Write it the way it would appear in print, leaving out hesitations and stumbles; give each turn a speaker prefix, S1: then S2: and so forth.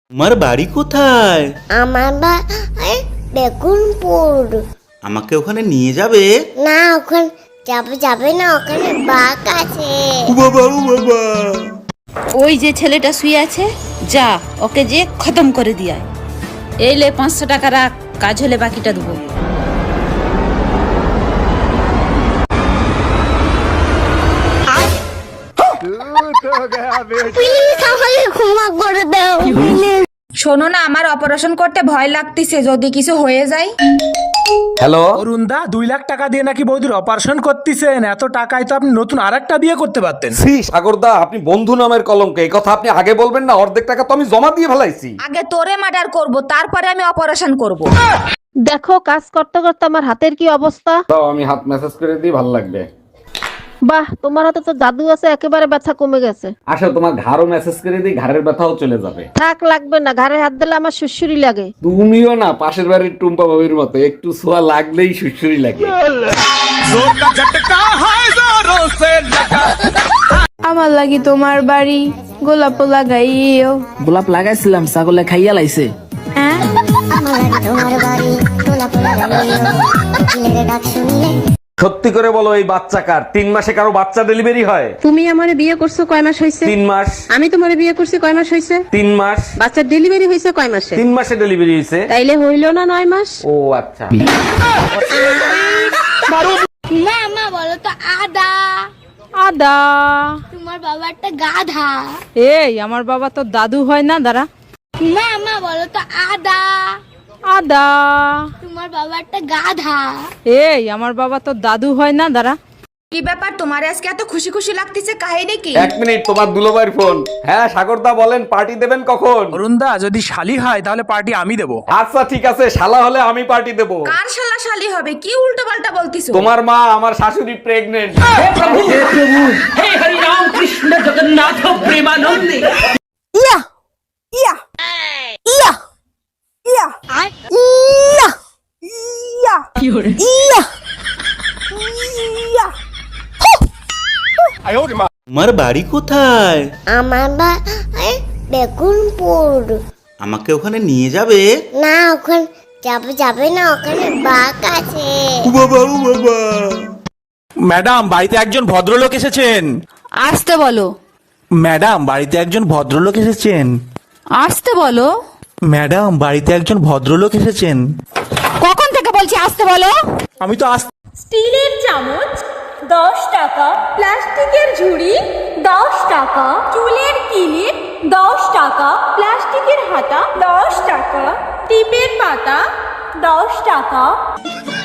S1: তোমার বাড়ি কোথায়?
S2: আমার বাড়ি বেগুনপুর।
S1: আমাকে ওখানে নিয়ে যাবে?
S2: না, ওখানে যাবে না, ওখানে বাঘ আছে।
S1: ও বাবা, ও বাবা।
S3: ওই যে ছেলেটা শুয়ে আছে, যা ওকে যে খতম করে দিয়ায়। এই লে 500 টাকা রাখ, কাজ হলে বাকিটা দেবো।
S2: প্লিজ আমাকে ক্ষমা করে দাও।
S3: শোনো না, আমার অপারেশন করতে ভয় লাগতেছে, যদি কিছু হয়ে যায়।
S4: হ্যালো
S5: অরুণদা 2 লাখ টাকা দিয়ে নাকি বৌদির অপারেশন করতেছেন। এত টাকায় তো আপনি নতুন আরেকটা বিয়ে করতে পারতেন।
S4: শ্রী সাগরদা, আপনি বন্ধু নামের কলঙ্ক। এই কথা আপনি আগে বলবেন না? অর্ধেক টাকা তো আমি জমা দিয়ে ফেলাইছি।
S3: আগে তোরে মার্ডার করব, তারপরে আমি অপারেশন করব।
S6: দেখো কাজ করতে করতে আমার হাতের কি অবস্থা।
S4: দাও, আমি হাত মেসেজ করে দিই, ভালো লাগবে।
S6: বাহ, তোমার হাতে তো জাদু আছে, একেবারে ব্যথা কমে গেছে।
S4: আসো, তোমার ঘাড়ও মেসেজ করে দিই, ঘাড়ের ব্যথাও চলে যাবে।
S6: থাক, লাগবে না, ঘাড়ে হাত দিলে আমার সুসুরি লাগে।
S4: তুমিও না পাশের বাড়ির টুম্পা বাবির মতো, একটু ছোঁয়া লাগলেই সুরসুরি লাগে।
S7: আমার লাগি তোমার বাড়ি গোলাপ লাগাইও।
S8: গোলাপ লাগাইছিলাম, ছাগলে খাইয়া লাইছে।
S7: হ্যাঁ,
S2: তোমার বাড়ি গোলাপ লাগাইও, ছেলের ডাক শুনলে।
S4: সত্যি করে বলো, এই বাচ্চা কার? 3 মাসে কারো বাচ্চা ডেলিভারি হয়?
S6: তুমি আমারে বিয়ে করছো কয় মাস হইছে?
S4: 3 মাস।
S6: আমি তোমারে বিয়ে করছি কয় মাস হইছে?
S4: 3 মাস।
S6: বাচ্চার ডেলিভারি হইছে কয় মাসে?
S4: 3 মাসে ডেলিভারি হয়েছে।
S6: তাইলে হইল না 9 মাস?
S4: ও আচ্ছা।
S2: মা বলো তো আদা।
S7: আদা।
S2: তোমার বাবা একটা গাধা।
S7: এই আমার বাবা তো দাদু হয় না, দাঁড়া।
S2: মা বলো তো আদা।
S7: আদা।
S2: তোমার বাবা একটা গাধা।
S7: এই আমার বাবা তো দাদু হয় না, দাঁড়া।
S3: কি ব্যাপার, তোমার আজকে এত খুশি খুশি লাগতেছে, কাহিনী কি?
S4: 1 মিনিট, তোমার দুলোবাইর ফোন। হ্যাঁ সাগরদা বলেন, পার্টি দেবেন কখন?
S5: অরুণদা যদি শালি হয় তাহলে পার্টি আমি দেবো।
S4: আচ্ছা ঠিক আছে, শালা হলে আমি পার্টি দেব।
S3: কার শালা শালি হবে? কি উল্টো পাল্টা বলতিছো?
S4: তোমার মা, আমার শাশুড়ি প্রেগনেন্ট।
S7: ইয়া ইয়া ইয়া ইয়া ইয়া ইয়া ইয়া ইয়া।
S1: তোমার বাড়ি কোথায়?
S2: আমার বাড়ি বেগুনপুর।
S1: আমাকে ওখানে নিয়ে যাবে?
S2: না, ওখানে যাবে না, ওখানে বাঘ আছে।
S1: ও বাবা, ও বাবা।
S5: ম্যাডাম, বাড়িতে একজন ভদ্রলোক এসেছেন।
S3: আসতে বলো।
S5: ম্যাডাম, বাড়িতে একজন ভদ্রলোক এসেছেন।
S3: আসতে বলো।
S5: ম্যাডাম, বাড়িতে একজন ভদ্রলোক এসেছেন।
S3: কখন থেকে বলছি আসতে বলো?
S5: আমি তো
S9: স্টিলের চামচ 10 টাকা, প্লাস্টিকের ঝুড়ি 10 টাকা, চুলের কিলিপ 10 টাকা, প্লাস্টিকের হাতা 10 টাকা, টিপের পাতা 10 টাকা।